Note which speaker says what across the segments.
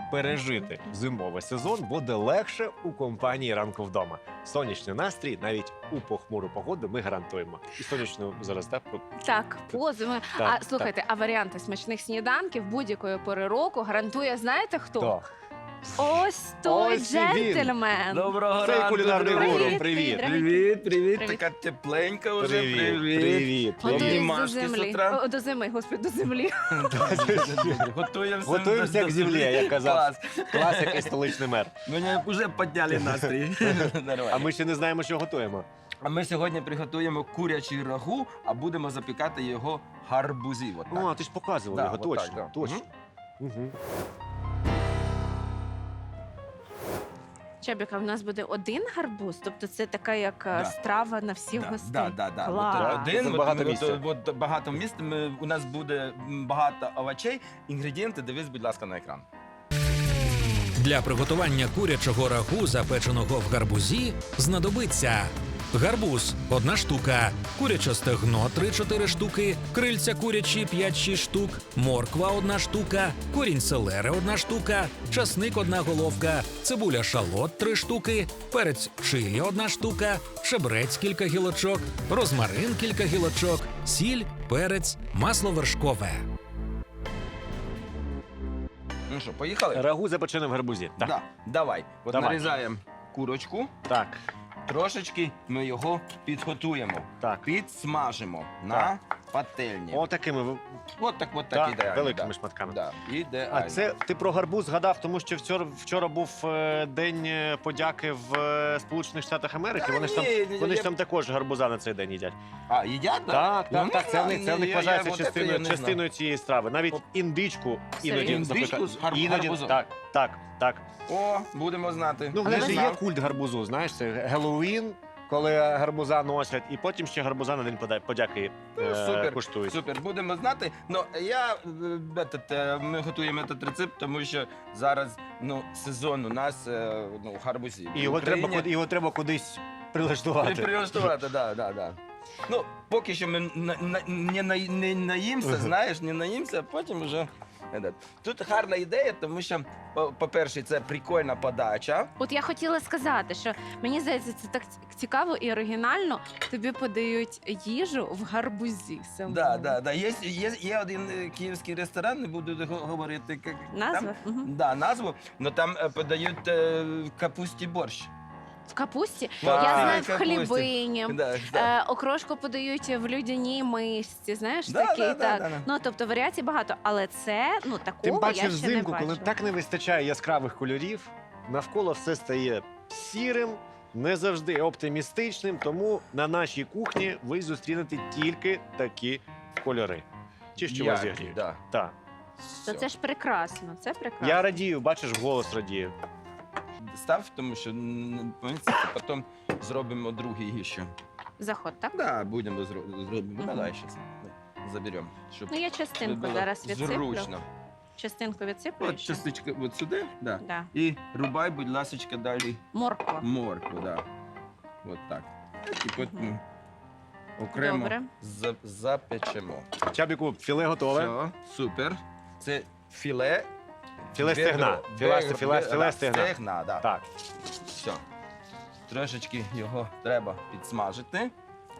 Speaker 1: пережити зимовий сезон буде легше у компанії «Ранку вдома». Сонячний настрій навіть у похмуру погоду ми гарантуємо. І сонячну зараз, так?
Speaker 2: Так, позими.
Speaker 1: Так,
Speaker 2: А слухайте, а варіанти смачних сніданків будь-якої пори року гарантує, знаєте хто?
Speaker 1: То.
Speaker 2: Ось той
Speaker 1: Ось і він.
Speaker 2: джентльмен.
Speaker 3: Доброго
Speaker 1: Цей
Speaker 3: ранку,
Speaker 1: кулінарний
Speaker 3: друзі.
Speaker 1: гуру. Привіт.
Speaker 3: Привіт, привіт.
Speaker 2: Привіт.
Speaker 3: Така тепленька вже.
Speaker 1: Привіт. Привіт.
Speaker 2: Готуюсь до
Speaker 3: Обнімашки з
Speaker 2: землі.
Speaker 3: утра.
Speaker 2: О, до зими, господи, до землі.
Speaker 3: Готуємося.
Speaker 1: Готуємося як землі, як казав
Speaker 3: Клас.
Speaker 1: класик і столичний мер.
Speaker 3: Мені вже підняли настрій. Нормально.
Speaker 1: А ми ще не знаємо, що готуємо.
Speaker 3: А ми сьогодні приготуємо курячий рагу, а будемо запікати його гарбузі. От так.
Speaker 1: О, ти ж показував
Speaker 3: Да,
Speaker 1: його,
Speaker 3: от так,
Speaker 1: точно.
Speaker 3: да.
Speaker 1: Точно. Мгм.
Speaker 2: Чабіка, в нас буде один гарбуз, тобто це така як
Speaker 3: Да.
Speaker 2: страва на всіх
Speaker 3: Да,
Speaker 2: гостей.
Speaker 3: да.
Speaker 2: Клас.
Speaker 3: От один,
Speaker 1: Тут
Speaker 3: от,
Speaker 1: багато
Speaker 3: от,
Speaker 1: місця.
Speaker 3: от багато місць. У нас буде багато овочей. Інгредієнти дивись, будь ласка, на екран.
Speaker 4: Для приготування курячого рагу, запеченого в гарбузі, знадобиться гарбуз – 1 штука, куряче стегно – 3-4 штуки, крильця курячі – 5-6 штук, морква – 1 штука, корінь селери – 1 штука, часник – 1 головка, цибуля шалот – 3 штуки, перець чилі – 1 штука, шебрець – кілька гілочок, розмарин – кілька гілочок, сіль, перець, масло вершкове.
Speaker 3: Ну що, поїхали?
Speaker 1: Рагу запечене в гарбузі. Так.
Speaker 3: Да, давай. От
Speaker 1: Давай.
Speaker 3: нарізаємо курочку.
Speaker 1: Так.
Speaker 3: Трошечки ми його підготуємо.
Speaker 1: Так.
Speaker 3: Підсмажимо
Speaker 1: Так.
Speaker 3: на пательні.
Speaker 1: Отакими
Speaker 3: От так
Speaker 1: так,
Speaker 3: ідеально.
Speaker 1: великими
Speaker 3: да.
Speaker 1: шматками.
Speaker 3: Да, ідеально.
Speaker 1: А це ти про гарбуз згадав, тому що вчора був День подяки в Сполучених Штатах Америки.
Speaker 3: Та
Speaker 1: Вони ж там,
Speaker 3: ні,
Speaker 1: вони ж
Speaker 3: я-
Speaker 1: там також гарбуза на цей день їдять.
Speaker 3: А, їдять? да?
Speaker 1: Так,
Speaker 3: Ну,
Speaker 1: так, так. Це в них
Speaker 3: я
Speaker 1: вважається
Speaker 3: от це я не
Speaker 1: частиною цієї страви. Навіть
Speaker 3: От.
Speaker 1: індичку іноді
Speaker 2: Серйозно?
Speaker 3: Індичку з гарбузом?
Speaker 1: Так, так, так.
Speaker 3: О, будемо знати.
Speaker 1: Ну, в
Speaker 3: Не
Speaker 1: них же є
Speaker 3: знав.
Speaker 1: культ гарбузу, знаєш, це Геловін, коли гарбуза носять, і потім ще гарбуза на День подяки
Speaker 3: Ну, супер,
Speaker 1: куштують.
Speaker 3: Супер, будемо знати. Ну, ми готуємо цей рецепт, тому що зараз сезон у нас гарбузів.
Speaker 1: І його треба кудись прилаштувати.
Speaker 3: Прилаштувати, да. Ну, поки що ми не наїмося, знаєш, не наїмося, а потім вже. Тут гарна ідея, тому що, по-перше, це прикольна подача.
Speaker 2: От я хотіла сказати, що мені здається, це так цікаво і оригінально. Тобі подають їжу в гарбузі. самому.
Speaker 3: Да. Є один київський ресторан, не буду говорити.
Speaker 2: Назва? Мгм.
Speaker 3: Да, назву, але там подають капусті борщ.
Speaker 2: В капусті?
Speaker 3: Так,
Speaker 2: Я знаю, в
Speaker 3: капусті.
Speaker 2: хлібині.
Speaker 3: Да.
Speaker 2: Окрошку подають в людяній мисці, знаєш,
Speaker 3: Да,
Speaker 2: такий,
Speaker 3: да,
Speaker 2: так.
Speaker 3: да.
Speaker 2: Ну, тобто варіацій багато, але це,
Speaker 1: Тим
Speaker 2: такого
Speaker 1: паче
Speaker 2: я ще не
Speaker 1: взимку,
Speaker 2: бачила.
Speaker 1: коли так не вистачає яскравих кольорів, навколо все стає сірим, не завжди оптимістичним, тому на нашій кухні ви зустрінете тільки такі кольори. Чи що вас зігріють?
Speaker 3: Да.
Speaker 1: Так.
Speaker 2: То це ж прекрасно, це прекрасно.
Speaker 1: Я радію, бачиш, голос радію.
Speaker 3: Став, тому що потім зробимо другий ще.
Speaker 2: Заход, так?
Speaker 3: Да, будемо зробимо.
Speaker 2: Мгм.
Speaker 3: Давай зараз заберемо, щоб
Speaker 2: Ну, я частинку
Speaker 3: було
Speaker 2: зараз відсиплю.
Speaker 3: зручно.
Speaker 2: Частинку відсиплю.
Speaker 3: От
Speaker 2: ще?
Speaker 3: частичка от сюди, да.
Speaker 2: Да.
Speaker 3: І рубай, будь ласочка, далі
Speaker 2: Морква.
Speaker 3: моркву, да. От так. І потім
Speaker 2: Мгм.
Speaker 3: окремо
Speaker 2: Добре.
Speaker 3: запечемо.
Speaker 1: Чабіку, філе готове.
Speaker 3: Все, супер. Це філе.
Speaker 1: Філе стегна. Філе стегна.
Speaker 3: Стегна, да.
Speaker 1: Так.
Speaker 3: Все. Трошечки його треба підсмажити.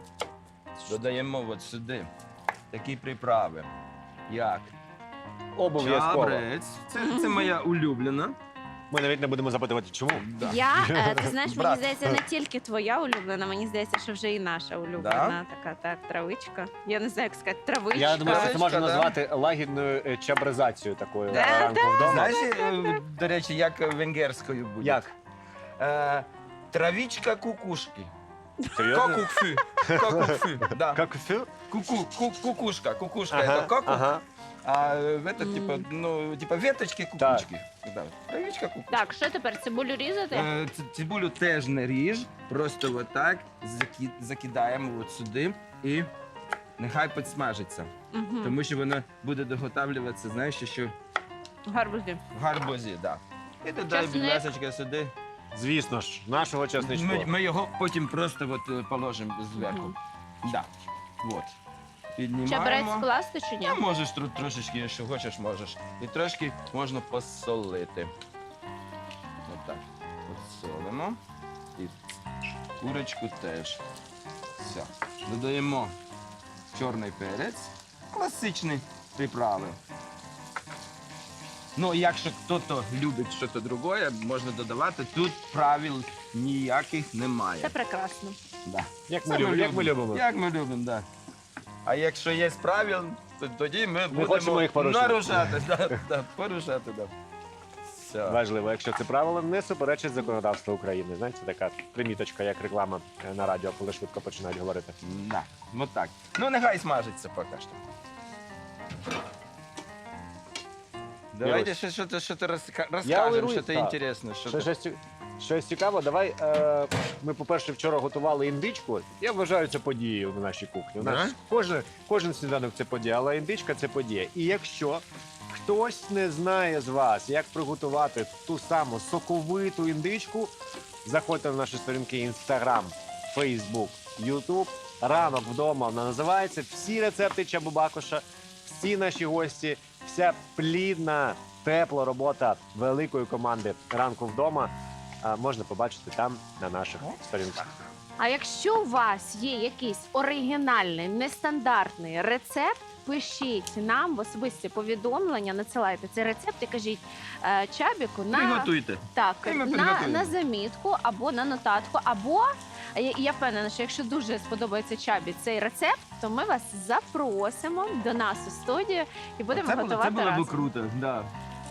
Speaker 3: Додаємо от сюди такі приправи, як
Speaker 1: Обов'язково.
Speaker 3: чабрець. Це моя улюблена.
Speaker 1: Ми навіть не будемо запитувати, чому.
Speaker 3: Да.
Speaker 2: Ти знаєш, мені
Speaker 3: Брат.
Speaker 2: здається, не тільки твоя улюблена, мені здається, що вже і наша улюблена така, так, травичка. Я не знаю, як сказати, травичка.
Speaker 1: Я думаю, що це можна
Speaker 3: да.
Speaker 1: назвати лагідною чабризацією такою
Speaker 2: Да,
Speaker 1: ранку вдома.
Speaker 3: Знаєш, до речі, як венгерською буде?
Speaker 1: Як?
Speaker 3: Травичка кукушки.
Speaker 1: Серйозно?
Speaker 3: Кокукфю. Кокукфю, да.
Speaker 1: Как фю?
Speaker 3: Кукушка. Кукушка
Speaker 1: Ага,
Speaker 3: это кокук,
Speaker 1: ага.
Speaker 3: а это типа веточки кукушки. Да. Травичка кукушка.
Speaker 2: Так, що тепер, цибулю різати?
Speaker 3: Цибулю теж не ріж, просто отак закидаємо от сюди і нехай підсмажиться.
Speaker 2: Мгм.
Speaker 3: Тому що вона буде доготавлюватися, знаєш, що
Speaker 2: Гарбузи.
Speaker 3: в гарбузі, да. І додай, будь
Speaker 2: Часник.
Speaker 3: ласочка, сюди.
Speaker 1: Звісно ж, нашого часничку.
Speaker 3: Ми його потім просто от положимо зверху.
Speaker 2: Мгм.
Speaker 3: Да. От. Піднімаємо.
Speaker 2: Чебрець вкласти чи ні?
Speaker 3: А можеш трошечки, якщо хочеш, можеш. І трошки можна посолити. Отак. Посолимо. І курочку теж. Все. Додаємо чорний перець. Класичні приправи. Ну, якщо хтось любить щось друге, можна додавати. Тут правил ніяких немає.
Speaker 2: Це прекрасно.
Speaker 3: Да.
Speaker 1: Як
Speaker 3: Це
Speaker 1: ми любимо.
Speaker 3: Як ми любимо, так. А якщо є правил, то тоді ми будемо
Speaker 1: хочемо їх порушувати.
Speaker 3: нарушати. Порушати, да. Все.
Speaker 1: Важливо, якщо це правило не суперечить законодавству України. Знаєте, така приміточка, як реклама на радіо, коли швидко починають говорити.
Speaker 3: Да. Ну так. Ну нехай смажиться поки що. Давайте що ти розкажемо,
Speaker 1: уверую,
Speaker 3: що це
Speaker 1: так.
Speaker 3: інтересне.
Speaker 1: Щось цікаво, давай. Ми, по-перше, вчора готували індичку. Я вважаю це подією на нашій кухні. У нас кожен сніданок це подія, але індичка це подія. І якщо хтось не знає з вас, як приготувати ту саму соковиту індичку, заходьте на наші сторінки Instagram, Facebook, YouTube. Ранок вдома вона називається. Всі рецепти Чабо-Бакоша, всі наші гості, вся плідна, тепла робота великої команди ранку вдома можна побачити там на наших сторінках.
Speaker 2: А якщо у вас є якийсь оригінальний, нестандартний рецепт, пишіть нам в особисті повідомлення, надсилайте цей рецепт і кажіть Чабіку
Speaker 3: Приготуйте.
Speaker 2: так,
Speaker 3: І ми
Speaker 2: на
Speaker 3: підготуємо.
Speaker 2: замітку або на нотатку, або я впевнена, що якщо дуже сподобається Чабі цей рецепт, то ми вас запросимо до нас у студію і будемо
Speaker 3: Це
Speaker 2: готувати
Speaker 3: було
Speaker 2: разом.
Speaker 3: б круто, да.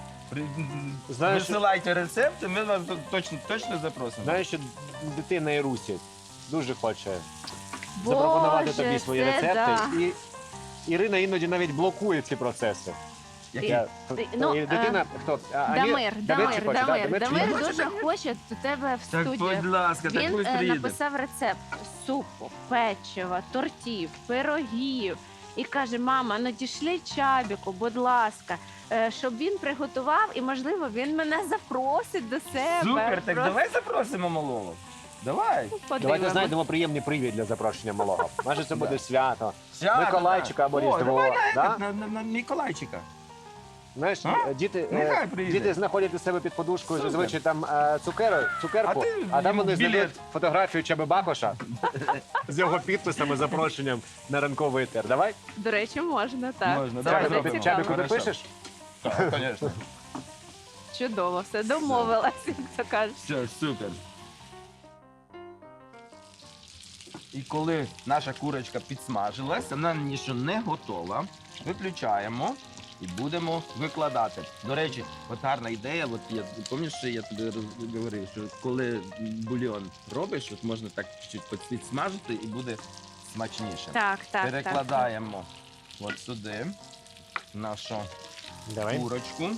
Speaker 1: Знаєш,
Speaker 3: Висилайте рецепти, ми вас точно запросимо.
Speaker 1: знаєш, що дитина Ірусі дуже хоче запропонувати тобі свої
Speaker 2: це
Speaker 1: рецепти.
Speaker 2: да.
Speaker 1: І Ірина іноді навіть блокує ці процеси.
Speaker 3: Які?
Speaker 2: Ну,
Speaker 1: Дитина, хто?
Speaker 2: Дамир
Speaker 1: чи хоче, да? Дамир чи
Speaker 2: Дамир
Speaker 1: хоче?
Speaker 2: дуже хоче до тебе в
Speaker 3: Так,
Speaker 2: студію.
Speaker 3: будь ласка, так
Speaker 2: Він
Speaker 3: пусть приїде.
Speaker 2: написав рецепт супу, печива, тортів, пирогів. І каже: мама, надішлі Чабіку, будь ласка, щоб він приготував, і, можливо, він мене запросить до себе.
Speaker 3: Супер, так
Speaker 2: Просто
Speaker 3: давай запросимо малого. Давай.
Speaker 2: подивимось.
Speaker 1: Давайте знайдемо приємний привід для запрошення малого. Може, це буде свято,
Speaker 3: Свято,
Speaker 1: Миколайчика або
Speaker 3: О,
Speaker 1: Різдво.
Speaker 3: давай
Speaker 1: Да?
Speaker 3: на Миколайчика.
Speaker 1: Знаєш,
Speaker 3: А?
Speaker 1: діти,
Speaker 3: Нехай приїде.
Speaker 1: діти знаходять у себе під подушкою
Speaker 3: Супер.
Speaker 1: зазвичай там цукерку,
Speaker 3: А ти
Speaker 1: а там
Speaker 3: йому
Speaker 1: вони
Speaker 3: білет.
Speaker 1: знайдуть фотографію Чаби-Бакоша з його підписами, запрошенням на ранковий етер. Давай?
Speaker 2: До речі, можна, так.
Speaker 3: Можна,
Speaker 2: Це
Speaker 3: давай
Speaker 2: буде
Speaker 3: зробимо.
Speaker 2: цікаво.
Speaker 1: Чабіку, ти
Speaker 3: Хорошо.
Speaker 1: пишеш?
Speaker 3: Так, звісно.
Speaker 2: Чудово, все, домовилась, як то кажуть.
Speaker 3: Все, супер. І коли наша курочка підсмажилась, вона ще не готова, виключаємо і будемо викладати. До речі, от гарна ідея, от я пам'ятаєш, що я тобі говорив, що коли бульйон робиш, от можна так чуть підсмажити і буде смачніше.
Speaker 2: Так, так,
Speaker 3: Перекладаємо от сюди нашу
Speaker 1: Давай.
Speaker 3: курочку.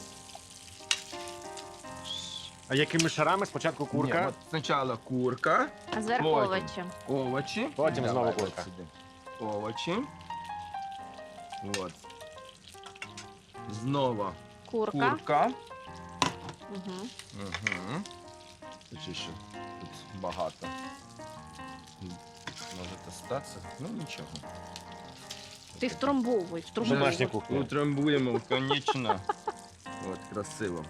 Speaker 1: А якими шарами? Спочатку курка.
Speaker 3: Ні, от спочатку курка,
Speaker 2: так. А зверху
Speaker 3: Потім.
Speaker 2: овочі.
Speaker 3: овочі.
Speaker 1: Потім
Speaker 3: Давай
Speaker 1: знову
Speaker 3: от
Speaker 1: курка.
Speaker 3: сюди. Овочі. От. Знову
Speaker 2: Курка.
Speaker 3: курка.
Speaker 2: Угу.
Speaker 3: Угу. Тут ще тут багато. Може статися? Ну нічого.
Speaker 2: Ти втрамбовуй,
Speaker 1: Домашня
Speaker 2: втрамбовуй.
Speaker 1: кухня.
Speaker 3: Утрамбуємо, конечно. От, красиво.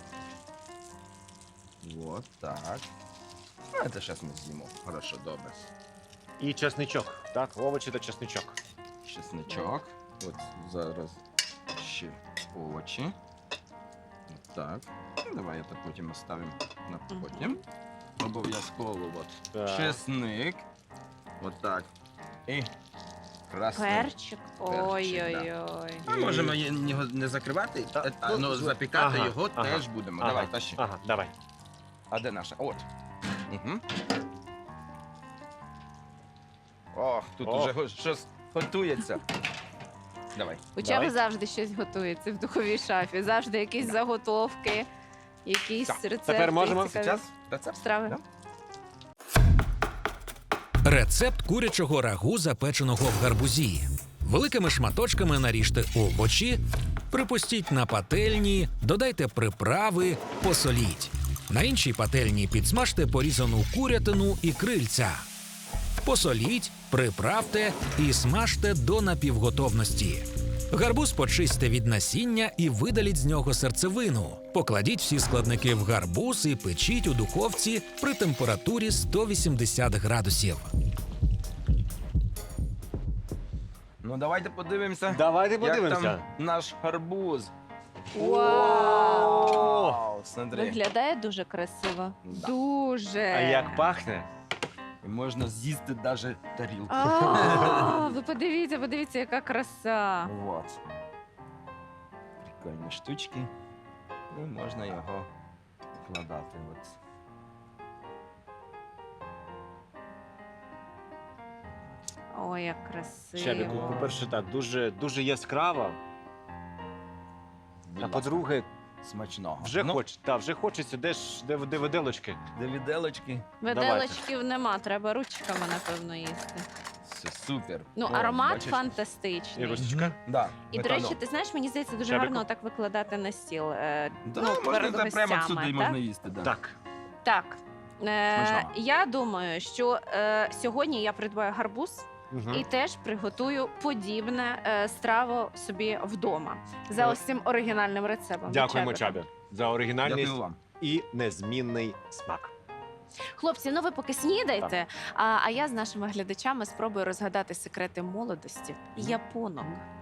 Speaker 3: Вот так. Ну, це зараз ми з'їмо. Хорошо, добре.
Speaker 1: І чесничок. Так, овочі та чесничок.
Speaker 3: Чесничок. От зараз ще овочі. От так. Ну, давай це потім оставимо на потім. Обов'язково от
Speaker 1: Так.
Speaker 3: чесник. От так. І красний.
Speaker 2: Перчик.
Speaker 3: Перчик,
Speaker 2: Ой-ой-ой.
Speaker 3: Ми можемо його не закривати,
Speaker 1: Та,
Speaker 3: а
Speaker 1: ну,
Speaker 3: запікати
Speaker 1: ага,
Speaker 3: його
Speaker 1: ага,
Speaker 3: теж будемо.
Speaker 1: ага.
Speaker 3: Давай, тащи.
Speaker 1: Ага, давай.
Speaker 3: А де наша? От. Угу. Ох, тут
Speaker 1: Ох.
Speaker 3: уже щось готується. Давай.
Speaker 2: У
Speaker 1: Давай.
Speaker 2: Чаби завжди щось готується в духовій шафі. Завжди якісь заготовки, якісь
Speaker 3: Так,
Speaker 2: рецепти.
Speaker 1: тепер можемо?
Speaker 2: цікаві
Speaker 3: Зараз рецепт.
Speaker 2: страви.
Speaker 3: Да?
Speaker 4: Рецепт курячого рагу, запеченого в гарбузі. Великими шматочками наріжте овочі, припустіть на пательні, додайте приправи, посоліть. На іншій пательні підсмажте порізану курятину і крильця. Посоліть, приправте і смажте до напівготовності. Гарбуз почистьте від насіння і видаліть з нього серцевину. Покладіть всі складники в гарбуз і печіть у духовці при температурі 180 градусів.
Speaker 3: Ну давайте подивимося.
Speaker 1: Давайте
Speaker 3: Як
Speaker 1: подивимося.
Speaker 3: там наш гарбуз.
Speaker 2: Вау!
Speaker 3: Вау, смотри.
Speaker 2: Виглядає дуже красиво.
Speaker 3: Да.
Speaker 2: Дуже.
Speaker 1: А як пахне?
Speaker 3: І можна з'їсти навіть тарілку.
Speaker 2: Ви подивіться, яка краса.
Speaker 3: Вот. Прикольні штучки. І можна його вкладати. От.
Speaker 2: Ой, як красиво.
Speaker 1: Чабіку, по-перше, так, дуже яскрава.
Speaker 3: Будь
Speaker 1: А
Speaker 3: ласка,
Speaker 1: по-друге,
Speaker 3: смачного.
Speaker 1: вже хочеться, де виделочки.
Speaker 3: Де віделочки.
Speaker 2: Виделочків нема, треба ручками, напевно, їсти.
Speaker 3: Все супер.
Speaker 2: Ну,
Speaker 3: О,
Speaker 2: аромат
Speaker 3: бачиш?
Speaker 2: фантастичний.
Speaker 1: Ірусечка.
Speaker 3: Да,
Speaker 2: І, до
Speaker 3: метанол.
Speaker 2: речі, ти знаєш, мені здається, дуже
Speaker 1: Чабіку?
Speaker 2: гарно так викладати на стіл.
Speaker 3: Да,
Speaker 2: ну,
Speaker 3: можна
Speaker 2: перед
Speaker 3: це прямо
Speaker 2: гостями,
Speaker 3: сюди
Speaker 2: так?
Speaker 3: можна їсти. Да.
Speaker 1: Так.
Speaker 2: Так.
Speaker 3: Смачного.
Speaker 2: Я думаю, що сьогодні я придбаю гарбуз
Speaker 1: Мгм.
Speaker 2: і теж приготую подібне страву собі вдома за ось цим оригінальним рецептом.
Speaker 1: Дякуємо,
Speaker 2: Чабіку.
Speaker 1: Чабі, за оригінальність
Speaker 3: Дякую вам.
Speaker 1: і незмінний смак.
Speaker 2: Хлопці, ну ви поки снідайте, а я з нашими глядачами спробую розгадати секрети молодості японок.